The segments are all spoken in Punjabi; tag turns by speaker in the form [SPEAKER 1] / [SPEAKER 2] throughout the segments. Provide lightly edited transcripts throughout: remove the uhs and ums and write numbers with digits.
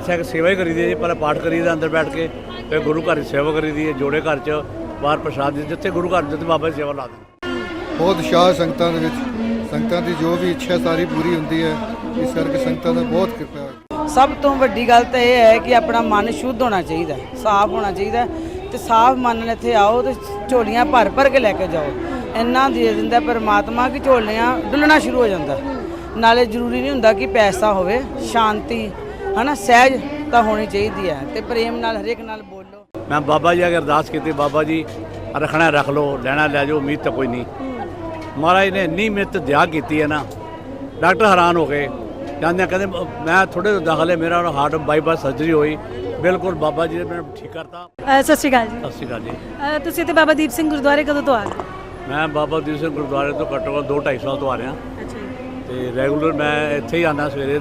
[SPEAKER 1] ਇੱਥੇ ਇੱਕ ਸੇਵਾ ਹੀ ਕਰੀਦੀ ਹੈ ਜੀ। ਪਹਿਲਾਂ ਪਾਠ ਕਰੀਦਾ ਅੰਦਰ ਬੈਠ ਕੇ, ਫਿਰ ਗੁਰੂ ਘਰ ਦੀ ਸੇਵਾ ਕਰੀਦੀ ਹੈ। ਜੋੜੇ ਘਰ 'ਚ ਬਾਹਰ ਪ੍ਰਸ਼ਾਦ ਜਿੱਥੇ ਗੁਰੂ ਘਰ ਜਿੱਥੇ ਬਾਬਾ ਦੀ ਸੇਵਾ ਲਾ ਦਿੰਦੇ।
[SPEAKER 2] ਬਹੁਤ ਉਤਸ਼ਾਹ ਸੰਗਤਾਂ ਦੇ ਵਿੱਚ, ਸੰਗਤਾਂ ਦੀ ਜੋ ਵੀ ਇੱਛਾ ਸਾਰੀ ਪੂਰੀ ਹੁੰਦੀ ਹੈ। ਇਸ ਕਰਕੇ ਸੰਗਤਾਂ ਦਾ ਬਹੁਤ ਕਿਰਪਾ ਹੈ।
[SPEAKER 3] ਸਭ ਤੋਂ ਵੱਡੀ ਗੱਲ ਤਾਂ ਇਹ ਹੈ ਕਿ ਆਪਣਾ ਮਨ ਸ਼ੁੱਧ ਹੋਣਾ ਚਾਹੀਦਾ, ਸਾਫ਼ ਹੋਣਾ ਚਾਹੀਦਾ ਤੇ ਸਾਫ਼ ਮਨ ਨਾਲ ਇੱਥੇ ਆਓ ਤੇ ਝੋਲੀਆਂ ਭਰ ਭਰ ਕੇ ਲੈ ਕੇ ਜਾਓ। ਇੰਨਾ ਦੇ ਦਿੰਦਾ ਪਰਮਾਤਮਾ ਕਿ ਝੋਲੀਆਂ ਡੁੱਲਣਾ ਸ਼ੁਰੂ ਹੋ ਜਾਂਦਾ। ਨਾਲੇ ਜ਼ਰੂਰੀ ਨਹੀਂ ਹੁੰਦਾ ਕਿ ਪੈਸਾ ਹੋਵੇ, ਸ਼ਾਂਤੀ ਹਨਾ, ਸਹਿਜ ਤਾਂ ਹੋਣੀ ਚਾਹੀਦੀ ਹੈ ਤੇ ਪ੍ਰੇਮ ਨਾਲ ਹਰੇਕ ਨਾਲ ਬੋਲੋ।
[SPEAKER 1] ਮੈਂ ਬਾਬਾ ਜੀ ਅਗੇ ਅਰਦਾਸ ਕੀਤੀ, ਬਾਬਾ ਜੀ ਰੱਖਣਾ ਰੱਖ ਲਓ, ਲੈਣਾ ਲੈ ਜਾਓ, ਉਮੀਦ ਤਾਂ ਕੋਈ ਨਹੀਂ। ਮਹਾਰਾਜ ਨੇ ਇੰਨੀ ਮਿਹਨਤ ਦਿਆ ਕੀਤੀ ਹੈ ਨਾ, ਡਾਕਟਰ ਹੈਰਾਨ ਹੋ ਗਏ। ਜਾਂਦੇ ਕਹਿੰਦੇ ਮੈਂ ਥੋੜ੍ਹੇ ਦਾਖਲ ਹੈ, ਮੇਰਾ ਹਾਰਟ ਬਾਈਪਾਸ ਸਰਜਰੀ ਹੋਈ, ਬਿਲਕੁਲ ਬਾਬਾ ਜੀ ਨੇ ਮੈਨੂੰ ਠੀਕ ਕਰਤਾ।
[SPEAKER 4] ਸਤਿ ਸ਼੍ਰੀ ਅਕਾਲ ਜੀ।
[SPEAKER 1] ਸਤਿ ਸ਼੍ਰੀ ਅਕਾਲ ਜੀ।
[SPEAKER 4] ਤੁਸੀਂ ਇੱਥੇ ਬਾਬਾ ਦੀਪ ਸਿੰਘ ਗੁਰਦੁਆਰੇ ਕਦੋਂ ਤੋਂ ਆ ਗਏ?
[SPEAKER 1] ਮੈਂ ਬਾਬਾ ਦੀਪ ਸਿੰਘ ਗੁਰਦੁਆਰੇ ਤੋਂ ਘੱਟੋ ਘੱਟ 2-2.5 ਸਾਲ ਤੋਂ ਆ ਰਿਹਾ
[SPEAKER 4] ਅੱਛਾ ਜੀ।
[SPEAKER 1] ਤੇ ਰੈਗੂਲਰ ਮੈਂ ਇੱਥੇ ਹੀ ਆਉਂਦਾ ਸਵੇਰੇ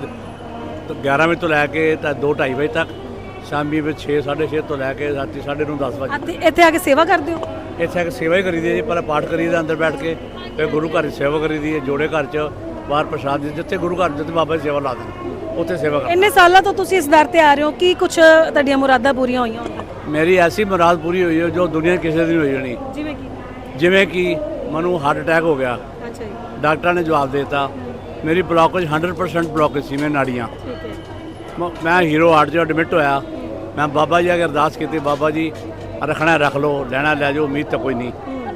[SPEAKER 1] 11 ਵਜੇ ਤੋਂ ਲੈ ਕੇ ਤਾਂ 2-2.5 ਵਜੇ ਤੱਕ, ਸ਼ਾਮੀ ਵਿੱਚ 6-6:30 ਤੋਂ ਲੈ ਕੇ ਰਾਤੀ 9:30-10 ਵਜੇ।
[SPEAKER 4] ਇੱਥੇ ਆ ਕੇ ਸੇਵਾ ਕਰਦੇ ਹੋ?
[SPEAKER 1] ਇੱਥੇ ਇੱਕ ਸੇਵਾ ਹੀ ਕਰੀਦੀ ਹੈ ਜੀ। ਪਹਿਲਾਂ ਪਾਠ ਕਰੀਦਾ ਅੰਦਰ ਬੈਠ ਕੇ, ਫਿਰ ਗੁਰੂ ਘਰ ਦੀ ਸੇਵਾ ਕਰੀਦੀ ਹੈ। ਜੋੜੇ ਘਰ 'ਚ ਬਾਹਰ ਪ੍ਰਸ਼ਾਦ ਜਿੱਥੇ ਗੁਰੂ ਘਰ ਜਿੱਥੇ ਬਾਬਾ ਦੀ ਸੇਵਾ ਲਾ ਦਿੰਦੇ, ਉੱਥੇ ਸੇਵਾ ਕਰ।
[SPEAKER 4] ਇੰਨੇ ਸਾਲਾਂ ਤੋਂ ਤੁਸੀਂ ਇਸ ਦਰ ਤੇ ਆ ਰਹੇ ਹੋ, ਕੀ ਕੁਝ ਤੁਹਾਡੀਆਂ ਮੁਰਾਦਾਂ ਪੂਰੀਆਂ ਹੋਈਆਂ ਹੁਣ ਤੱਕ?
[SPEAKER 1] ਮੇਰੀ ਐਸੀ ਮੁਰਾਦ ਪੂਰੀ ਹੋਈ ਹੈ ਜੋ ਦੁਨੀਆ ਕਿਸੇ ਦੀ ਨਹੀਂ ਹੋਈ ਹੋਣੀ। ਜਿਵੇਂ ਕਿ ਮੈਨੂੰ ਹਾਰਟ ਅਟੈਕ ਹੋ ਗਿਆ,
[SPEAKER 4] ਅੱਛਾ ਜੀ।
[SPEAKER 1] ਡਾਕਟਰਾਂ ਨੇ ਜਵਾਬ ਦੇ ਦਿੱਤਾ ਮੇਰੀ ਬਲੌਕੇਜ 100% ਬਲੌਕੇਜ ਸੀ, ਮੈਂ ਨਾੜੀਆਂ।
[SPEAKER 4] ਠੀਕ ਹੈ।
[SPEAKER 1] ਮੈਂ ਹੀਰੋ ਹਾਰਟ 'ਚ ਐਡਮਿਟ ਹੋਇਆ। ਮੈਂ ਬਾਬਾ ਜੀ ਅਗੇ ਅਰਦਾਸ ਕੀਤੀ, ਬਾਬਾ ਜੀ ਰੱਖਣਾ ਰੱਖ ਲਓ, ਲੈਣਾ ਲੈ ਜਾਓ, ਉਮੀਦ ਤਾਂ ਕੋਈ ਨਹੀਂ।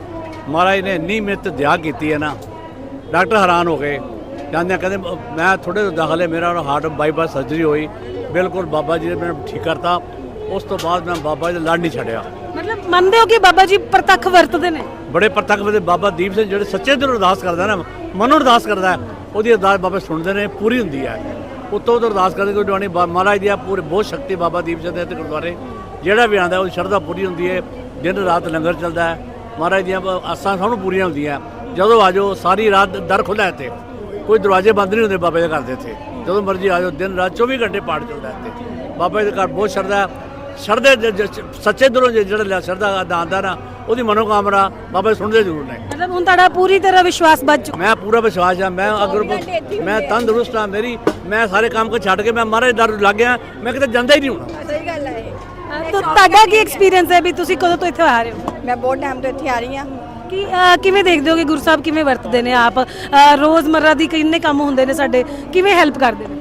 [SPEAKER 1] ਮਹਾਰਾਜ ਨੇ ਇੰਨੀ ਮਿਹਨਤ ਦਿਆ ਕੀਤੀ ਹੈ ਨਾ, ਡਾਕਟਰ ਹੈਰਾਨ ਹੋ ਗਏ। ਜਾਂਦੇ ਕਹਿੰਦੇ ਮੈਂ ਥੋੜ੍ਹੇ ਦਾਖਲ ਹੈ, ਮੇਰਾ ਹਾਰਟ ਬਾਈਪਾਸ ਸਰਜਰੀ ਹੋਈ, ਬਿਲਕੁਲ ਬਾਬਾ ਜੀ ਨੇ ਮੈਨੂੰ ਠੀਕ ਕਰਤਾ। ਉਸ ਤੋਂ ਬਾਅਦ ਮੈਂ ਬਾਬਾ ਜੀ ਦਾ ਲੜ ਨਹੀਂ ਛੱਡਿਆ।
[SPEAKER 4] ਮਤਲਬ ਮੰਨਦੇ ਹੋ ਕਿ ਬਾਬਾ ਜੀ ਪ੍ਰਤੱਖ ਵਰਤਦੇ ਨੇ?
[SPEAKER 1] ਬੜੇ ਪ੍ਰਤੱਖ ਵਰਤੇ ਬਾਬਾ ਦੀਪ ਸਿੰਘ, ਜਿਹੜੇ ਸੱਚੇ ਦਿਲੋਂ ਅਰਦਾਸ ਕਰਦਾ ਨਾ, ਮਨੋਂ ਅਰਦਾਸ ਕਰਦਾ, ਉਹਦੀ ਅਰਦਾਸ ਬਾਬਾ ਸੁਣਦੇ ਨੇ, ਪੂਰੀ ਹੁੰਦੀ ਹੈ। ਉੱਤੋਂ ਤੋਂ ਅਰਦਾਸ ਕਰਦੇ ਕੋਈ ਜਵਾਨੀ ਮਹਾਰਾਜ ਦੀ ਪੂਰੇ ਬਹੁਤ ਸ਼ਕਤੀ ਬਾਬਾ ਦੀਪ ਸਿੰਘ ਦੇ ਤੇ ਗੁਰਦੁਆਰੇ ਜਿਹੜਾ ਵੀ ਆਉਂਦਾ ਉਹਦੀ ਸ਼ਰਧਾ ਪੂਰੀ ਹੁੰਦੀ ਹੈ। ਦਿਨ ਰਾਤ ਲੰਗਰ ਚੱਲਦਾ ਹੈ, ਮਹਾਰਾਜ ਦੀਆਂ ਆਸਾਂ ਸਭ ਨੂੰ ਪੂਰੀਆਂ ਹੁੰਦੀਆਂ। ਜਦੋਂ ਆ ਜਾਓ ਸਾਰੀ ਰਾਤ ਦਰ ਖੁੱਲ੍ਹਾ ਇੱਥੇ, ਕੋਈ ਦਰਵਾਜ਼ੇ ਬੰਦ ਨਹੀਂ ਹੁੰਦੇ ਬਾਬੇ ਦੇ ਘਰ ਦੇ ਇੱਥੇ। ਜਦੋਂ ਮਰਜ਼ੀ ਆ ਜਾਓ, ਦਿਨ ਰਾਤ 24 ਘੰਟੇ ਪਾਠ ਚੱਲਦਾ ਇੱਥੇ। ਬਾਬਾ ਜੀ ਦੇ ਘਰ ਬਹੁਤ ਸ਼ਰਧਾ, ਸ਼ਰਧੇ ਸੱਚੇ ਦਿਲੋਂ ਜਿਹੜਾ ਸ਼ਰਧਾ ਆਉਂਦਾ ਨਾ, ਉਹਦੀ ਮਨੋਕਾਮਨਾ ਬਾਬਾ ਸੁਣਦੇ ਜ਼ਰੂਰ ਨੇ।
[SPEAKER 4] ਮਤਲਬ ਹੁਣ ਤੁਹਾਡਾ ਪੂਰੀ ਤਰ੍ਹਾਂ ਵਿਸ਼ਵਾਸ ਵੱਧ ਚੁੱਕਾ?
[SPEAKER 1] ਮੈਂ ਪੂਰਾ ਵਿਸ਼ਵਾਸ ਆ। ਮੈਂ ਅਗਰ ਮੈਂ ਤੰਦਰੁਸਤ ਹਾਂ, ਮੈਂ ਸਾਰੇ ਕੰਮ ਕੋ ਛੱਡ ਕੇ ਮੈਂ ਮਹਾਰਾਜ ਦਰ ਲੱਗ ਗਿਆ, ਮੈਂ ਕਿਤੇ ਜਾਂਦਾ ਹੀ ਨਹੀਂ ਹੋਣਾ।
[SPEAKER 5] ਸਹੀ ਗੱਲ ਹੈ।
[SPEAKER 4] ਤਾਂ ਤੁਹਾਡਾ ਕੀ ਐਕਸਪੀਰੀਅੰਸ ਹੈ ਵੀ ਤੁਸੀਂ ਕਦੋਂ ਤੋਂ ਇੱਥੇ ਆ ਰਹੇ ਹੋ?
[SPEAKER 5] ਮੈਂ ਬਹੁਤ ਟਾਈਮ ਤੋਂ ਇੱਥੇ ਆ ਰਹੀ ਹਾਂ।
[SPEAKER 4] ਕਿ ਕਿਵੇਂ ਦੇਖਦੇ ਹੋ ਕਿ ਗੁਰੂ ਸਾਹਿਬ ਕਿਵੇਂ ਵਰਤਦੇ ਨੇ? ਆਪ ਰੋਜ਼ਮर्रा ਦੀ ਕਿੰਨੇ ਕੰਮ ਹੁੰਦੇ ਨੇ ਸਾਡੇ, ਕਿਵੇਂ ਹੈਲਪ ਕਰਦੇ ਨੇ?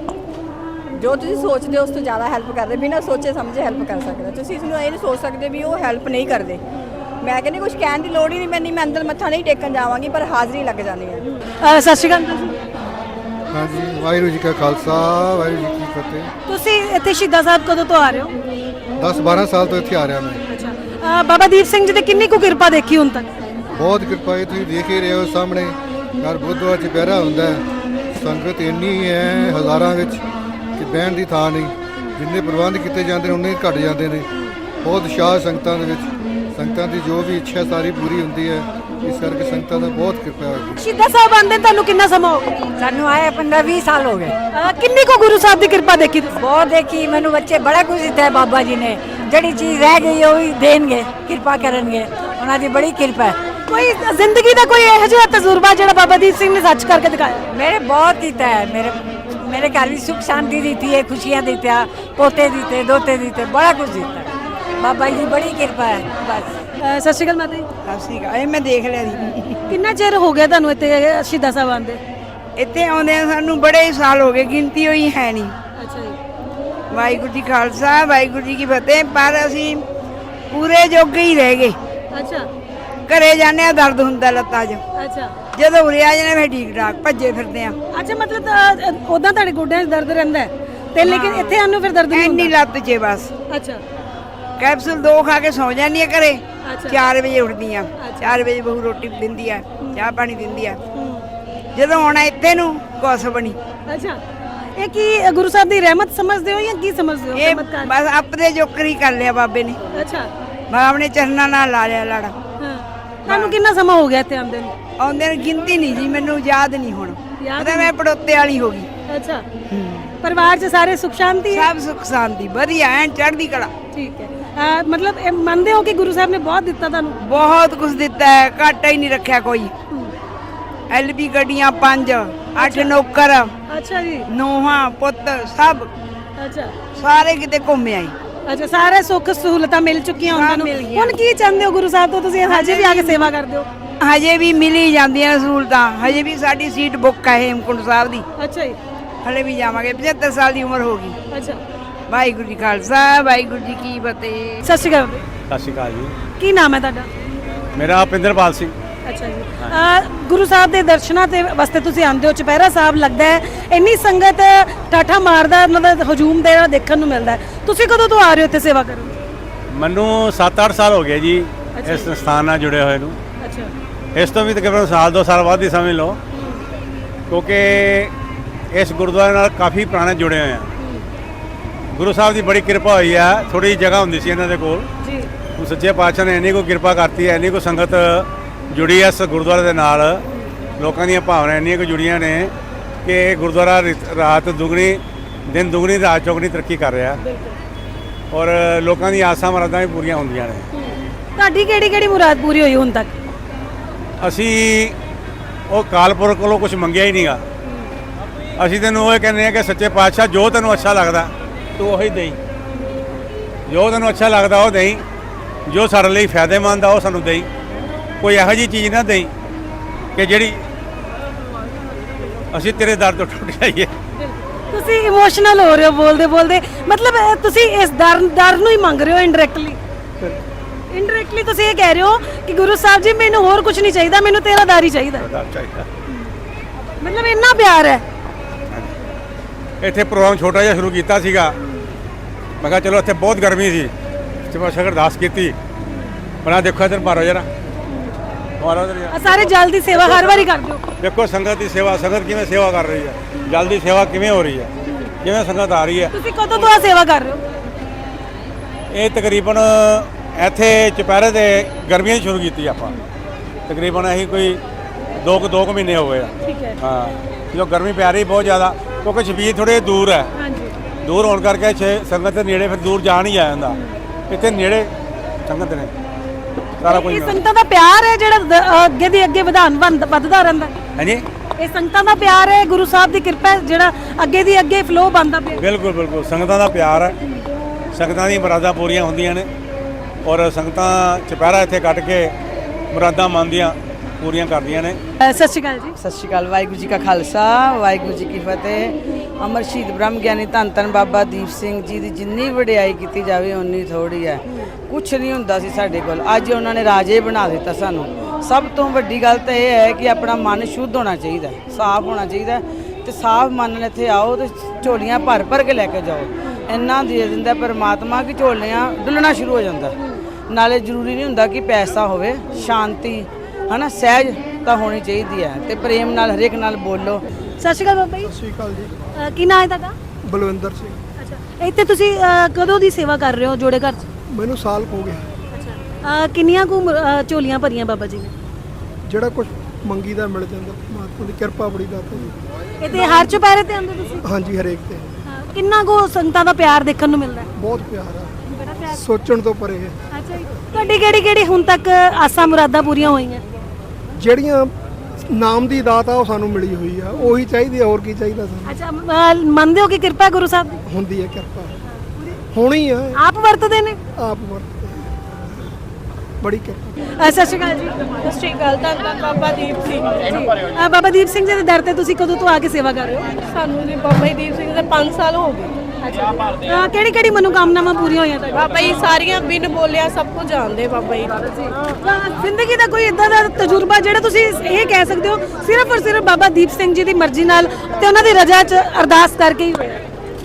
[SPEAKER 5] ਜੋ ਤੁਸੀਂ ਸੋਚਦੇ ਹੋ ਉਸ ਤੋਂ ਜ਼ਿਆਦਾ ਹੈਲਪ ਕਰਦੇ, ਬਿਨਾਂ ਸੋਚੇ ਸਮਝੇ ਹੈਲਪ ਕਰ ਸਕਦੇ। ਤੁਸੀਂ ਇਸ ਨੂੰ ਇਹ ਨਹੀਂ ਸੋਚ ਸਕਦੇ ਵੀ ਉਹ ਹੈਲਪ ਨਹੀਂ ਕਰਦੇ। ਮੈਂ ਕਹਿੰਦੀ ਕੁਝ ਕਹਿਣ ਦੀ ਲੋੜ ਹੀ ਨਹੀਂ ਪੈਂਦੀ। ਮੈਂ ਅੰਦਰ ਮੱਥਾ ਨਹੀਂ ਟੇਕਣ ਜਾਵਾਂਗੀ, ਪਰ ਹਾਜ਼ਰੀ ਲੱਗ ਜਾਂਦੀ ਹੈ।
[SPEAKER 4] ਸਤਿ ਸ਼੍ਰੀ ਅਕਾਲ।
[SPEAKER 2] ਹਾਂਜੀ, ਵਾਹਿਗੁਰੂ ਜੀ ਕਾ ਖਾਲਸਾ, ਵਾਹਿਗੁਰੂ ਜੀ ਕੀ ਫਤਿਹ।
[SPEAKER 4] ਤੁਸੀਂ ਇੱਥੇ ਸ਼ਹੀਦਾਂ ਸਾਹਿਬ ਕਦੋਂ ਤੋਂ ਆ ਰਹੇ ਹੋ?
[SPEAKER 2] 10-12 ਸਾਲ ਤੋਂ ਇੱਥੇ ਆ ਰਿਹਾ ਮੈਂ।
[SPEAKER 4] ਅੱਛਾ। ਬਾਬਾ ਦੀਪ ਸਿੰਘ ਜੀ ਦੀ ਕਿੰਨੀ ਕੁ ਕਿਰਪਾ ਦੇਖੀ ਹੁਣ ਤੱਕ?
[SPEAKER 2] ਬਹੁਤ ਕਿਰਪਾ ਹੈ, ਤੁਸੀਂ ਦੇਖ ਹੀ ਰਹੇ ਹੋ ਸਾਹਮਣੇ। ਹਰ ਬੁੱਧਵਾਰ ਚੁਪਹਿਰਾ ਹੁੰਦਾ ਹੈ, ਸੰਗਤ ਇੰਨੀ ਹੈ ਹਜ਼ਾਰਾਂ ਵਿੱਚ ਕਿ ਬਹਿਣ ਦੀ ਥਾਂ ਨਹੀਂ। ਜਿੰਨੇ ਪ੍ਰਬੰਧ ਕੀਤੇ ਜਾਂਦੇ ਨੇ ਉਨੇ ਘਟ ਜਾਂਦੇ ਨੇ। ਬਹੁਤ ਉਤਸ਼ਾਹ ਸੰਗਤਾਂ ਦੇ ਵਿੱਚ, ਸੰਗਤਾਂ ਦੀ ਜੋ ਵੀ ਇੱਛਾ ਸਾਰੀ ਪੂਰੀ ਹੁੰਦੀ ਹੈ। ਇਸ ਕਰਕੇ ਸੰਗਤਾਂ ਦਾ ਬਹੁਤ ਕਿਰਪਾ ਹੈ।
[SPEAKER 4] ਸ਼ਹੀਦਾਂ ਸਾਹਿਬ ਆਉਂਦੇ ਤੁਹਾਨੂੰ ਕਿੰਨਾ ਸਮਾਂ ਹੋ ਗਿਆ?
[SPEAKER 6] ਸਾਨੂੰ ਆਏ 15-20 ਸਾਲ ਹੋ ਗਏ।
[SPEAKER 4] ਕਿੰਨੀ ਕੁ ਗੁਰੂ ਸਾਹਿਬ ਦੀ ਕਿਰਪਾ ਦੇਖੀ ਤੁਸੀਂ?
[SPEAKER 6] ਬਹੁਤ ਦੇਖੀ। ਮੈਨੂੰ ਬੱਚੇ ਬੜਾ ਕੁਝ ਦਿੱਤਾ ਹੈ ਬਾਬਾ ਜੀ ਨੇ। ਜਿਹੜੀ ਚੀਜ਼ ਰਹਿ ਗਈ ਉਹ ਵੀ ਦੇਣਗੇ, ਕਿਰਪਾ ਕਰਨਗੇ। ਉਹਨਾਂ ਦੀ ਬੜੀ ਕਿਰਪਾ ਹੈ।
[SPEAKER 4] ਕੋਈ ਜ਼ਿੰਦਗੀ ਦਾ ਕੋਈ ਇਹੋ ਜਿਹਾ ਤਜਰਬਾ ਜਿਹੜਾ ਬਾਬਾ ਦੀਪ ਸਿੰਘ ਨੇ ਸੱਚ ਕਰਕੇ ਦਿਖਾਇਆ?
[SPEAKER 6] ਮੇਰੇ ਬਹੁਤ ਕੀਤਾ ਹੈ। ਮੇਰੇ ਘਰ ਵੀ ਸੁਖ ਸ਼ਾਂਤੀ ਦਿੱਤੀ ਹੈ, ਖੁਸ਼ੀਆਂ ਦਿੱਤੀਆਂ, ਪੋਤੇ ਦਿੱਤੇ, ਦੋਤੇ ਦਿੱਤੇ, ਬੜਾ ਕੁਝ ਦਿੱਤਾ। ਬਾਬਾ ਜੀ ਦੀ ਬੜੀ ਕਿਰਪਾ ਹੈ। ਬਸ।
[SPEAKER 4] ਸਤਿ ਸ਼੍ਰੀ ਅਕਾਲ ਮਾਤਾ ਜੀ।
[SPEAKER 5] ਸਤਿ ਸ਼੍ਰੀ ਅਕਾਲ। ਇਹ ਮੈਂ ਦੇਖ ਲਿਆ ਜੀ।
[SPEAKER 4] ਕਿੰਨਾ ਚਿਰ ਹੋ ਗਿਆ ਤੁਹਾਨੂੰ ਇੱਥੇ ਸ਼ਹੀਦਾਂ ਸਾਹਿਬ ਆਉਂਦੇ?
[SPEAKER 5] ਇੱਥੇ ਆਉਂਦੇ ਸਾਨੂੰ ਬੜੇ ਸਾਲ ਹੋ ਗਏ, ਗਿਣਤੀ ਹੋਈ ਹੈ ਨਹੀਂ।
[SPEAKER 4] ਅੱਛਾ ਜੀ।
[SPEAKER 5] ਵਾਹਿਗੁਰੂ ਜੀ ਖਾਲਸਾ, ਵਾਹਿਗੁਰੂ ਜੀ ਕੀ ਫਤਿਹ। ਪਰ ਅਸੀਂ ਪੂਰੇ ਜੋਗੇ ਹੀ ਰਹਿ ਗਏ।
[SPEAKER 4] ਅੱਛਾ
[SPEAKER 5] ਘਰੇ ਜਾਂਦੇ ਆ, ਦਰਦ ਹੁੰਦਾ ਲੱਤਾਂ 'ਚ।
[SPEAKER 4] ਅੱਛਾ।
[SPEAKER 5] ਜਦੋਂ ਉਰੇ ਆ ਜਾਂਦੇ ਫਿਰ ਠੀਕ ਠਾਕ ਭੱਜੇ ਫਿਰਦੇ ਆ।
[SPEAKER 4] ਅੱਛਾ, ਮਤਲਬ ਉਦਾਂ ਤੁਹਾਡੇ ਗੋਡਿਆਂ 'ਚ ਦਰਦ ਰਹਿੰਦਾ ਹੈ ਤੇ ਲੇਕਿਨ ਇੱਥੇ ਆਨੂੰ ਫਿਰ ਦਰਦ ਨਹੀਂ
[SPEAKER 5] ਐਨੀ
[SPEAKER 4] ਹੁੰਦਾ?
[SPEAKER 5] ਲੱਤ 'ਚ ਬਸ।
[SPEAKER 4] ਅੱਛਾ।
[SPEAKER 5] ਕੈਪਸੂਲ 2 ਖਾ ਕੇ ਸੌ ਜਾਂਦੀ ਆ ਘਰੇ।
[SPEAKER 4] ਅੱਛਾ।
[SPEAKER 5] 4 ਵਜੇ ਉੱਠਦੀ ਆ। 4 ਵਜੇ ਬਹੂ ਰੋਟੀ ਦਿੰਦੀ ਆ, ਚਾਹ ਪਾਣੀ ਦਿੰਦੀ ਆ। ਜਦੋਂ ਆਉਣਾ ਇੱਥੇ ਨੂੰ ਕੁਛ ਬਣੀ।
[SPEAKER 4] ਅੱਛਾ। ਇਹ ਕੀ ਗੁਰੂ ਸਾਹਿਬ ਦੀ ਰਹਿਮਤ ਸਮਝਦੇ ਹੋ ਜਾਂ ਕੀ ਸਮਝਦੇ ਹੋ?
[SPEAKER 5] ਇਹ
[SPEAKER 4] ਚਮਤਕਾਰ?
[SPEAKER 5] ਬਸ ਆਪਣੇ ਜੋਕਰ ਹੀ ਕਰ ਲਿਆ ਬਾਬੇ ਨੇ।
[SPEAKER 4] ਅੱਛਾ।
[SPEAKER 5] ਬਾਬ ਨੇ ਚਰਨਾਂ ਨਾਲ ਲਾ ਲਿਆ ਲੜਾ।
[SPEAKER 4] ਹਾਂ। ਤੁਹਾਨੂੰ ਕਿੰਨਾ ਸਮਾਂ ਹੋ ਗਿਆ ਇੱਥੇ ਆਉਂਦੇ ਨੂੰ?
[SPEAKER 5] ਆਉਂਦੇ ਨੂੰ ਗਿਣਤੀ ਨਹੀਂ ਜੀ, ਮੈਨੂੰ ਯਾਦ ਨਹੀਂ ਹੁਣ।
[SPEAKER 4] ਯਾਦ
[SPEAKER 5] ਪਤਾ ਮੈਂ ਪੜੋਤੇ ਵਾਲੀ ਹੋ ਗਈ।
[SPEAKER 4] ਅੱਛਾ। ਪਰਿਵਾਰ 'ਚ ਸਾਰੇ ਸੁਖ ਸ਼ਾਂਤੀ ਹੈ?
[SPEAKER 5] ਸਭ ਸੁਖ ਸ਼ਾਂਤੀ ਵਧੀਆ ਐਨ ਚੜ੍ਹਦੀ ਕਲਾ।
[SPEAKER 4] ਠੀਕ ਹੈ। ਮਤਲਬ ਇਹ ਮੰਨਦੇ ਹੋ ਕਿ ਗੁਰੂ ਸਾਹਿਬ ਨੇ ਬਹੁਤ ਦਿੱਤਾ ਤੁਹਾਨੂੰ?
[SPEAKER 5] ਬਹੁਤ ਕੁਝ ਦਿੱਤਾ ਹੈ, ਘਾਟਾ ਹੀ ਨਹੀਂ ਰੱਖਿਆ ਕੋਈ। LB ਗੱਡੀਆਂ 5, 8 ਨੌਕਰ,
[SPEAKER 4] ਅੱਛਾ ਜੀ।
[SPEAKER 5] ਨੋਹਾਂ ਪੁੱਤ ਸਭ
[SPEAKER 4] ਅੱਛਾ
[SPEAKER 3] ਸਾਰੇ ਕਿਤੇ ਘੁੰਮ ਆਈ।
[SPEAKER 4] ਅੱਛਾ ਸਾਰੇ ਸੁੱਖ ਸਹੂਲਤਾਂ ਮਿਲ ਚੁੱਕੀਆਂ ਉਹਨਾਂ ਨੂੰ। ਹੁਣ ਕੀ ਚਾਹੁੰਦੇ ਹੋ ਗੁਰੂ ਸਾਹਿਬ ਤੋਂ ਤੁਸੀਂ ਹਜੇ ਵੀ ਆ ਕੇ ਸੇਵਾ ਕਰਦੇ ਹੋ?
[SPEAKER 3] ਹਜੇ ਵੀ ਮਿਲੀ ਜਾਂਦੀਆਂ ਸਹੂਲਤਾਂ। ਹਜੇ ਵੀ ਸਾਡੀ ਸੀਟ ਬੁੱਕ ਹੈ ਹੇਮਕੁੰਟ ਸਾਹਿਬ ਦੀ।
[SPEAKER 4] ਅੱਛਾ ਜੀ।
[SPEAKER 3] ਹਲੇ ਵੀ ਜਾਵਾਂਗੇ, 75 ਸਾਲ ਦੀ ਉਮਰ ਹੋ ਗਈ।
[SPEAKER 4] ਅੱਛਾ
[SPEAKER 3] ਵਾਹਿਗੁਰੂ ਜੀ ਖਾਲਸਾ, ਵਾਹਿਗੁਰੂ ਜੀ ਕੀ ਫਤਿਹ।
[SPEAKER 4] ਸਤਿ ਸ਼੍ਰੀ ਅਕਾਲ।
[SPEAKER 7] ਸਤਿ ਸ਼੍ਰੀ ਅਕਾਲ ਜੀ।
[SPEAKER 4] ਕੀ ਨਾਮ ਹੈ ਤੁਹਾਡਾ?
[SPEAKER 7] ਮੇਰਾ ਪਿੰਦਰਪਾਲ ਸਿੰਘ।
[SPEAKER 4] ਅੱਛਾ ਜੀ। ਗੁਰੂ ਸਾਹਿਬ ਦੇ ਦਰਸ਼ਨਾਂ ਤੇ ਵਾਸਤੇ ਤੁਸੀਂ ਆਉਂਦੇ ਹੋ, ਚੁਪਹਿਰਾ ਸਾਹਿਬ ਲੱਗਦਾ ਹੈ, ਇੰਨੀ ਸੰਗਤ ਠਾਠਾ ਮਾਰਦਾ ਉਹਨਾਂ ਦਾ ਹਜੂਮ ਦੇ ਦੇਖਣ ਨੂੰ ਮਿਲਦਾ ਹੈ। ਤੁਸੀਂ ਕਦੋਂ ਤੋਂ ਆ ਰਹੇ ਹੋ ਇੱਥੇ ਸੇਵਾ ਕਰਨ?
[SPEAKER 7] ਮੈਨੂੰ 7-8 ਸਾਲ ਹੋ ਗਏ ਜੀ ਇਸ ਸੰਸਥਾਨ ਨਾਲ ਜੁੜੇ ਹੋਏ ਨੂੰ।
[SPEAKER 4] ਅੱਛਾ
[SPEAKER 7] ਇਸ ਤੋਂ ਵੀ ਤਕਰੀਬਨ ਸਾਲ 2 ਸਾਲ ਬਾਅਦ ਹੀ ਸਮਝ ਲਓ, ਕਿਉਂਕਿ ਇਸ ਗੁਰਦੁਆਰੇ ਨਾਲ ਕਾਫੀ ਪੁਰਾਣੇ ਜੁੜੇ ਹੋਏ ਆ। ਗੁਰੂ ਸਾਹਿਬ ਦੀ ਬੜੀ ਕਿਰਪਾ ਹੋਈ ਆ। ਥੋੜੀ ਜਗ੍ਹਾ ਹੁੰਦੀ ਸੀ ਇਹਨਾਂ ਦੇ ਕੋਲ,
[SPEAKER 4] ਜੀ।
[SPEAKER 7] ਹੁਣ ਸੱਚੇ ਪਾਤਸ਼ਾਹ ਨੇ ਇੰਨੀ ਕੋ ਕਿਰਪਾ ਕਰਤੀ ਹੈ, ਇੰਨੀ ਕੋ ਸੰਗਤ ਜੁੜੀ ਹੈ ਇਸ ਗੁਰਦੁਆਰੇ ਦੇ ਨਾਲ। ਲੋਕਾਂ ਦੀਆਂ ਭਾਵਨਾਵਾਂ ਇੰਨੀਆਂ ਕੁ ਜੁੜੀਆਂ ਨੇ ਕਿ ਗੁਰਦੁਆਰਾ ਰਾਤ ਦੁਗਣੀ ਦਿਨ ਦੁਗਣੀ ਰਾਤ ਚੌਗਣੀ ਤਰੱਕੀ ਕਰ ਰਿਹਾ, ਔਰ ਲੋਕਾਂ ਦੀਆਂ ਆਸਾਂ ਮੁਰਾਦਾਂ ਵੀ ਪੂਰੀਆਂ ਹੁੰਦੀਆਂ ਨੇ।
[SPEAKER 4] ਤੁਹਾਡੀ ਕਿਹੜੀ ਕਿਹੜੀ ਮੁਰਾਦ ਪੂਰੀ ਹੋਈ ਹੁਣ ਤੱਕ?
[SPEAKER 7] ਅਸੀਂ ਉਹ ਕਾਲਪੁਰਖ ਕੋਲੋਂ ਕੁਝ ਮੰਗਿਆ ਹੀ ਨਹੀਂਗਾ। ਅਸੀਂ ਤੈਨੂੰ ਉਹ ਕਹਿੰਦੇ ਆ ਕਿ ਸੱਚੇ ਪਾਤਸ਼ਾਹ ਜੋ ਤੈਨੂੰ ਅੱਛਾ ਲੱਗਦਾ ਤੂੰ ਉਹੀ ਦੇਈ, ਜੋ ਤੈਨੂੰ ਅੱਛਾ ਲੱਗਦਾ ਉਹ ਦੇਈ, ਜੋ ਸਾਡੇ ਲਈ ਫਾਇਦੇਮੰਦ ਆ ਉਹ ਸਾਨੂੰ ਦੇਈ। ਕੋਈ ਇਹੋ ਜਿਹੀ ਚੀਜ਼ ਨਾ ਦੇਈ ਕਿ ਜਿਹੜੀ ਅਸੀਂ ਤੇਰੇ ਦਰ ਤੋਂ ਟੁੱਟ ਜਾਈਏ।
[SPEAKER 4] ਤੁਸੀਂ ਇਮੋਸ਼ਨਲ ਹੋ ਰਹੇ ਹੋ ਬੋਲਦੇ ਬੋਲਦੇ, ਮਤਲਬ ਤੁਸੀਂ ਇਸ ਦਰ ਨੂੰ ਹੀ ਮੰਗ ਰਹੇ ਹੋ ਇਨਡਾਇਰੈਕਟਲੀ। ਇਨਡਾਇਰੈਕਟਲੀ ਤੁਸੀਂ ਇਹ ਕਹਿ ਰਹੇ ਹੋ ਕਿ ਗੁਰੂ ਸਾਹਿਬ ਜੀ ਮੈਨੂੰ ਹੋਰ ਕੁਝ ਨਹੀਂ ਚਾਹੀਦਾ, ਮੈਨੂੰ ਤੇਰਾ ਦਰ ਹੀ ਚਾਹੀਦਾ। ਮਤਲਬ ਇੰਨਾ ਪਿਆਰ ਹੈ।
[SPEAKER 7] ਇੱਥੇ ਪ੍ਰੋਗਰਾਮ ਛੋਟਾ ਜਿਹਾ ਸ਼ੁਰੂ ਕੀਤਾ ਸੀਗਾ। ਮੈਂ ਕਿਹਾ ਚਲੋ ਇੱਥੇ ਬਹੁਤ ਗਰਮੀ ਸੀ, ਤੇ ਸ਼ਗਰ ਅਰਦਾਸ ਕੀਤੀ। ਬਣਾ ਦੇਖੋ ਇੱਧਰ ਮਾਰੋ ਜਰਾ, ਮਾਰੋ ਇੱਧਰ ਜਰਾ।
[SPEAKER 4] ਸਾਰੇ ਜਲ ਦੀ ਸੇਵਾ ਹਰ ਵਾਰੀ ਕਰਦੇ ਹੋ?
[SPEAKER 7] ਦੇਖੋ ਸੰਗਤ ਦੀ ਸੇਵਾ, ਸੰਗਤ ਕਿਵੇਂ ਸੇਵਾ ਕਰ ਰਹੀ ਹੈ, ਜਲ ਦੀ ਸੇਵਾ ਕਿਵੇਂ ਹੋ ਰਹੀ ਹੈ, ਕਿਵੇਂ ਸੰਗਤ ਆ ਰਹੀ ਹੈ।
[SPEAKER 4] ਤੁਸੀਂ ਕਦੋਂ ਤੋਂ ਆ ਸੇਵਾ ਕਰ ਰਹੇ ਹੋ?
[SPEAKER 7] ਇਹ ਤਕਰੀਬਨ ਇੱਥੇ ਚੁਪਹਿਰੇ ਦੇ ਗਰਮੀਆਂ 'ਚ ਸ਼ੁਰੂ ਕੀਤੀ ਆਪਾਂ। ਤਕਰੀਬਨ ਅਸੀਂ ਕੋਈ 2 ਮਹੀਨੇ ਹੋ ਗਏ ਆ।
[SPEAKER 4] ਠੀਕ ਹੈ।
[SPEAKER 7] ਹਾਂ, ਜੋ ਗਰਮੀ ਪੈ ਰਹੀ ਬਹੁਤ ਜ਼ਿਆਦਾ, ਕਿਉਂਕਿ ਸ਼ਬੀਰ ਥੋੜੇ ਦੂਰ ਹੈ।
[SPEAKER 4] ਹਾਂਜੀ।
[SPEAKER 7] ਦੂਰ ਹੋਣ ਕਰਕੇ ਸੰਗਤ ਦੇ ਨੇੜੇ ਫਿਰ ਦੂਰ ਜਾ ਨਹੀਂ ਆ ਜਾਂਦਾ। ਇੱਥੇ ਨੇੜੇ ਸੰਗਤ ਨੇ ਸਾਰਾ ਕੁਝ।
[SPEAKER 4] ਇਹ ਸੰਗਤਾਂ ਦਾ ਪਿਆਰ ਹੈ ਜਿਹੜਾ ਅੱਗੇ ਦੀ ਅੱਗੇ ਵੱਧਦਾ ਰਹਿੰਦਾ।
[SPEAKER 7] ਹਾਂਜੀ,
[SPEAKER 4] ਇਹ ਸੰਗਤਾਂ ਦਾ ਪਿਆਰ ਹੈ, ਗੁਰੂ ਸਾਹਿਬ ਦੀ ਕਿਰਪਾ ਹੈ ਜਿਹੜਾ ਅੱਗੇ ਦੀ ਅੱਗੇ ਫਲੋ ਬਣਦਾ ਪਿਆ।
[SPEAKER 7] ਬਿਲਕੁਲ ਬਿਲਕੁਲ ਸੰਗਤਾਂ ਦਾ ਪਿਆਰ ਹੈ। ਸੰਗਤਾਂ ਦੀਆਂ ਮੁਰਾਦਾਂ ਪੂਰੀਆਂ ਹੁੰਦੀਆਂ ਨੇ, ਔਰ ਸੰਗਤਾਂ ਚੁਪਹਿਰਾ ਇੱਥੇ ਕੱਟ ਕੇ ਮੁਰਾਦਾਂ ਮੰਨਦੀਆਂ ਪੂਰੀਆਂ ਕਰਦੀਆਂ ਨੇ।
[SPEAKER 4] ਸਤਿ ਸ਼੍ਰੀ ਅਕਾਲ ਜੀ।
[SPEAKER 3] ਸਤਿ ਸ਼੍ਰੀ ਅਕਾਲ। ਵਾਹਿਗੁਰੂ ਜੀ ਕਾ ਖਾਲਸਾ, ਵਾਹਿਗੁਰੂ ਜੀ ਕੀ ਫਤਿਹ। ਅਮਰ ਸ਼ਹੀਦ ਬ੍ਰਹਮ ਗਿਆਨੀ ਧੰਨ ਧੰਨ ਬਾਬਾ ਦੀਪ ਸਿੰਘ ਜੀ ਦੀ ਜਿੰਨੀ ਵਡਿਆਈ ਕੀਤੀ ਜਾਵੇ ਉਨੀ ਥੋੜੀ ਹੈ। ਕੁਛ ਨਹੀਂ ਹੁੰਦਾ ਸੀ ਸਾਡੇ ਕੋਲ, ਅੱਜ ਉਹਨਾਂ ਨੇ ਰਾਜੇ ਬਣਾ ਦਿੱਤਾ ਸਾਨੂੰ। ਸਭ ਤੋਂ ਵੱਡੀ ਗੱਲ ਤਾਂ ਇਹ ਹੈ ਕਿ ਆਪਣਾ ਮਨ ਸ਼ੁੱਧ ਹੋਣਾ ਚਾਹੀਦਾ, ਸਾਫ਼ ਹੋਣਾ ਚਾਹੀਦਾ, ਤੇ ਸਾਫ਼ ਮਨ ਨਾਲ ਇੱਥੇ ਆਓ ਤੇ ਝੋਲੀਆਂ ਭਰ ਭਰ ਕੇ ਲੈ ਕੇ ਜਾਓ। ਇੰਨਾ ਦੇ ਦਿੰਦਾ ਪਰਮਾਤਮਾ ਕਿ ਝੋਲੀਆਂ ਡੁੱਲਣਾ ਸ਼ੁਰੂ ਹੋ ਜਾਂਦਾ। ਨਾਲੇ ਜ਼ਰੂਰੀ ਨਹੀਂ ਹੁੰਦਾ ਕਿ ਪੈਸਾ ਹੋਵੇ, ਸ਼ਾਂਤੀ ਹਨਾ, ਸਹਿਜ ਤਾਂ ਹੋਣੀ ਚਾਹੀਦੀ ਹੈ, ਤੇ ਪ੍ਰੇਮ ਨਾਲ ਹਰੇਕ ਨਾਲ ਬੋਲੋ।
[SPEAKER 4] ਸਤਿ ਸ਼੍ਰੀ ਅਕਾਲ ਬਾਬਾ ਜੀ।
[SPEAKER 8] ਸਤਿ ਸ਼੍ਰੀ ਅਕਾਲ ਜੀ।
[SPEAKER 4] ਕੀ ਨਾਮ ਹੈ ਤੁਹਾਡਾ?
[SPEAKER 8] ਬਲਵਿੰਦਰ ਸਿੰਘ।
[SPEAKER 4] ਅੱਛਾ, ਇੱਥੇ ਤੁਸੀਂ ਕਦੋਂ ਦੀ ਸੇਵਾ ਕਰ ਰਹੇ ਹੋ ਜੋੜੇ ਘਰ 'ਚ?
[SPEAKER 8] ਮੈਨੂੰ ਸਾਲ ਹੋ ਗਿਆ।
[SPEAKER 4] ਅੱਛਾ, ਕਿੰਨੀਆਂ ਕੁ ਝੋਲੀਆਂ ਭਰੀਆਂ ਬਾਬਾ ਜੀ ਨੇ?
[SPEAKER 8] ਜਿਹੜਾ ਕੁਝ ਮੰਗੀ ਦਾ ਮਿਲ ਜਾਂਦਾ, ਪਰਮਾਤਮਾ ਦੀ ਕਿਰਪਾ ਬੜੀ ਦਾਤਾ ਜੀ।
[SPEAKER 4] ਇੱਥੇ ਹਰ ਚੁਪਹਿਰੇ ਤੇ ਆਉਂਦੇ ਤੁਸੀਂ?
[SPEAKER 8] ਹਾਂਜੀ, ਹਰੇਕ ਤੇ
[SPEAKER 4] ਕਿੰਨਾ ਕੁ ਸੰਗਤਾਂ ਦਾ ਪਿਆਰ ਦੇਖਣ ਨੂੰ ਮਿਲਦਾ ਹੈ?
[SPEAKER 8] ਬਹੁਤ ਪਿਆਰ ਆ,
[SPEAKER 4] ਬੜਾ ਪਿਆਰ।
[SPEAKER 8] ਸੋਚਣ ਤੋਂ ਪਰੇ ਹੈ।
[SPEAKER 4] ਅੱਛਾ ਜੀ, ਤੁਹਾਡੀ ਕਿਹੜੀ ਹੁਣ ਤੱਕ ਆਸਾਂ ਮੁਰਾਦਾਂ ਪੂਰੀਆਂ ਹੋਈਆਂ?
[SPEAKER 8] ਜਿਹੜੀਆਂ ਨਾਮ ਦੀ ਦਾਤ ਆ ਉਹ ਸਾਨੂੰ ਮਿਲੀ ਹੋਈ ਆ, ਉਹੀ ਚਾਹੀਦੀ ਆ, ਹੋਰ ਕੀ ਚਾਹੀਦਾ ਸਾਨੂੰ।
[SPEAKER 4] ਅੱਛਾ, ਮੰਨਦੇ ਹੋ ਕਿ ਕਿਰਪਾ ਹੈ ਗੁਰੂ ਸਾਹਿਬ ਦੀ?
[SPEAKER 8] ਹੁੰਦੀ ਹੈ ਕਿਰਪਾ, ਹੋਣੀ ਆ।
[SPEAKER 4] ਆਪ ਵਰਤਦੇ ਨੇ?
[SPEAKER 8] ਆਪ ਵਰਤਦੇ ਬੜੀ ਕਿਰਪਾ।
[SPEAKER 4] ਸਤਿ ਸ਼੍ਰੀ ਅਕਾਲ ਜੀ।
[SPEAKER 9] ਸਤਿ ਸ਼੍ਰੀ ਅਕਾਲ। ਧੰਨ ਬਾਬਾ ਦੀਪ ਸਿੰਘ ਜੀ।
[SPEAKER 4] ਬਾਬਾ ਦੀਪ ਸਿੰਘ ਜੀ ਦੇ ਦਰ ਤੇ ਤੁਸੀਂ ਕਦੋਂ ਤੋਂ ਆ ਕੇ ਸੇਵਾ ਕਰ ਰਹੇ ਹੋ?
[SPEAKER 9] ਸਾਨੂੰ ਜੀ ਬਾਬਾ ਦੀਪ ਸਿੰਘ ਦੇ 5 ਸਾਲ ਹੋ ਗਏ।
[SPEAKER 4] ਕਿਹੜੀ ਮਨੋਕਾਮਨਾਵਾਂ ਪੂਰੀਆਂ ਹੋਈਆਂ ਤੁਹਾਡੀਆਂ?
[SPEAKER 9] ਬਾਬਾ ਜੀ ਸਾਰੀਆਂ ਬਿਨ ਬੋਲਿਆ ਸਭ ਕੁਝ ਜਾਣਦੇ ਬਾਬਾ ਜੀ।
[SPEAKER 4] ਜ਼ਿੰਦਗੀ ਦਾ ਕੋਈ ਇਦਾਂ ਦਾ ਤਜਰਬਾ ਜਿਹੜਾ ਤੁਸੀਂ ਇਹ ਕਹਿ ਸਕਦੇ ਹੋ ਸਿਰਫ ਔਰ ਸਿਰਫ ਬਾਬਾ ਦੀਪ ਸਿੰਘ ਜੀ ਦੀ ਮਰਜ਼ੀ ਨਾਲ ਤੇ ਉਹਨਾਂ ਦੀ ਰਜ਼ਾ 'ਚ ਅਰਦਾਸ ਕਰਕੇ ਹੀ ਹੋਇਆ?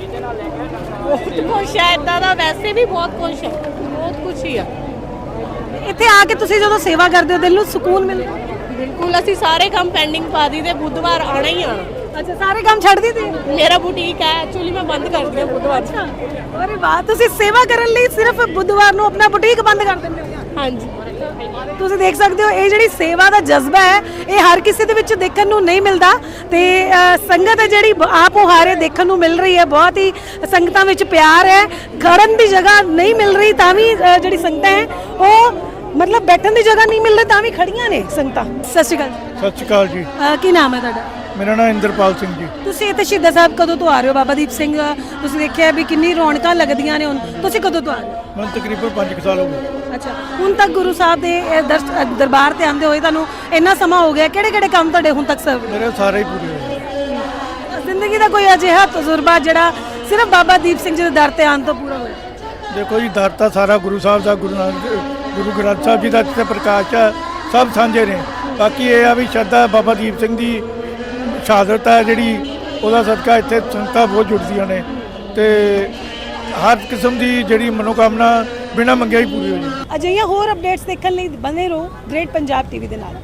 [SPEAKER 9] ਬਹੁਤ ਕੁਛ ਹੈ ਇਦਾਂ ਦਾ, ਵੈਸੇ ਵੀ ਬਹੁਤ ਕੁਛ ਹੈ, ਬਹੁਤ ਕੁਛ ਹੀ ਆ।
[SPEAKER 4] ਇੱਥੇ ਆ ਕੇ ਤੁਸੀਂ ਜਦੋਂ ਸੇਵਾ ਕਰਦੇ ਹੋ ਦਿਲ ਨੂੰ ਸਕੂਨ ਮਿਲਦਾ?
[SPEAKER 9] ਬਿਲਕੁਲ। ਅਸੀਂ ਸਾਰੇ ਕੰਮ ਪੈਂਡਿੰਗ ਪਾ ਦਿੱਤੇ, ਬੁੱਧਵਾਰ ਆਣਾ ਹੀ ਆਣਾ।
[SPEAKER 4] ਅੱਛਾ, ਸਾਰੇ ਕੰਮ ਛੱਡ ਦਿੱਤੇ?
[SPEAKER 9] ਮੇਰਾ ਬੁਟੀਕ ਹੈ, ਐਕਚੁਅਲੀ ਮੈਂ ਬੰਦ ਕਰ ਦਿਆ ਬੁੱਧਵਾਰ।
[SPEAKER 4] ਅਰੇ ਵਾਹ, ਤੁਸੀਂ ਸੇਵਾ ਕਰਨ ਲਈ ਸਿਰਫ ਬੁੱਧਵਾਰ ਨੂੰ ਆਪਣਾ ਬੁਟੀਕ ਬੰਦ ਕਰ ਦਿੰਦੇ ਹੋ?
[SPEAKER 9] ਹਾਂਜੀ।
[SPEAKER 4] ਤੁਸੀਂ ਦੇਖ ਸਕਦੇ ਹੋ ਇਹ ਜਿਹੜੀ ਸੇਵਾ ਦਾ ਜਜ਼ਬਾ ਹੈ ਇਹ ਹਰ ਕਿਸੇ ਦੇ ਵਿੱਚ ਦੇਖਣ ਨੂੰ ਨਹੀਂ ਮਿਲਦਾ, ਤੇ ਸੰਗਤ ਹੈ ਜਿਹੜੀ ਆਪ ਹਾਰੇ ਦੇਖਣ ਨੂੰ ਮਿਲ ਰਹੀ ਹੈ। ਬਹੁਤ ਹੀ ਸੰਗਤਾਂ ਵਿੱਚ ਪਿਆਰ ਹੈ, ਖੜਨ ਦੀ ਜਗ੍ਹਾ ਨਹੀਂ ਮਿਲ ਰਹੀ ਤਾਂ ਵੀ ਜਿਹੜੀ ਸੰਗਤਾਂ ਹੈ ਉਹ ਮਤਲਬ ਬੈਠਣ ਦੀ ਜਗ੍ਹਾ ਨਹੀਂ ਮਿਲ ਰਹੀ ਤਾਂ ਵੀ ਖੜੀਆਂ ਨੇ ਸੰਗਤਾਂ। ਸਤਿ ਸ਼੍ਰੀ ਅਕਾਲ।
[SPEAKER 8] ਸਤਿ ਸ਼੍ਰੀ ਅਕਾਲ ਜੀ।
[SPEAKER 4] ਕੀ ਨਾਮ ਹੈ ਤੁਹਾਡਾ?
[SPEAKER 8] ਮੇਰਾ ਨਾਮ ਇੰਦਰਪਾਲ ਸਿੰਘ ਜੀ।
[SPEAKER 4] ਤੁਸੀਂ ਇੱਥੇ ਸ਼ਹੀਦਾਂ ਸਾਹਿਬ ਕਦੋਂ ਤੋਂ ਆ ਰਹੇ ਹੋ ਬਾਬਾ ਦੀਪ ਸਿੰਘ? ਤੁਸੀਂ ਦੇਖਿਆ ਵੀ ਕਿੰਨੀ ਰੌਣਕਾਂ ਲੱਗਦੀਆਂ ਨੇ ਹੁਣ, ਤੁਸੀਂ ਕਦੋਂ ਤੋਂ ਆ ਰਹੇ ਹੋ?
[SPEAKER 8] ਮੈਨੂੰ ਤਕਰੀਬਨ 5 ਸਾਲ ਹੋ ਗਏ।
[SPEAKER 4] ਅੱਛਾ, ਹੁਣ ਤੱਕ ਗੁਰੂ ਸਾਹਿਬ ਦੇ ਇਹ ਦਰਬਾਰ ਤੇ ਆਉਂਦੇ ਹੋਏ ਤੁਹਾਨੂੰ ਇੰਨਾ ਸਮਾਂ ਹੋ ਗਿਆ, ਕਿਹੜੇ ਕਿਹੜੇ ਕੰਮ ਤੁਹਾਡੇ ਹੁਣ ਤੱਕ ਸਰਵ
[SPEAKER 8] ਮੇਰੇ ਸਾਰੇ ਹੀ ਪੂਰੇ ਹੋਏ।
[SPEAKER 4] ਜ਼ਿੰਦਗੀ ਦਾ ਕੋਈ ਅਜਿਹਾ ਤਜਰਬਾ ਜਿਹੜਾ ਸਿਰਫ ਬਾਬਾ ਦੀਪ ਸਿੰਘ ਜੀ ਦੇ ਦਰ ਤੇ ਆਉਣ ਤੋਂ ਪੂਰਾ ਹੋਇਆ?
[SPEAKER 8] ਦੇਖੋ ਜੀ, ਦਰ ਤਾਂ ਸਾਰਾ ਗੁਰੂ ਸਾਹਿਬ ਦਾ, ਗੁਰੂ ਗ੍ਰੰਥ ਸਾਹਿਬ ਜੀ ਦਾ ਜਿੱਥੇ ਪ੍ਰਕਾਸ਼ ਹੈ, ਸਭ ਸਾਂਝੇ ਨੇ। ਬਾਕੀ ਇਹ ਆ ਵੀ ਸ਼ਰਧਾ ਬਾਬਾ ਦੀਪ ਸਿੰਘ ਦੀ ਸ਼ਹਾਦਤ ਹੈ ਜਿਹੜੀ, ਉਹਦਾ ਸਦਕਾ ਇੱਥੇ ਸੰਗਤਾਂ ਬਹੁਤ ਜੁੜਦੀਆਂ ਨੇ ਤੇ ਹਰ ਕਿਸਮ ਦੀ ਜਿਹੜੀ ਮਨੋਕਾਮਨਾ ਬਿਨਾਂ ਮੰਗਿਆ ਹੀ ਪੂਰੀ ਹੋ ਜਾਂਦੀ।
[SPEAKER 4] ਅਜਿਹੀਆਂ ਹੋਰ ਅਪਡੇਟਸ ਦੇਖਣ ਲਈ ਬਣੇ ਰਹੋ ਗ੍ਰੇਟ ਪੰਜਾਬ ਟੀਵੀ ਦੇ ਨਾਲ।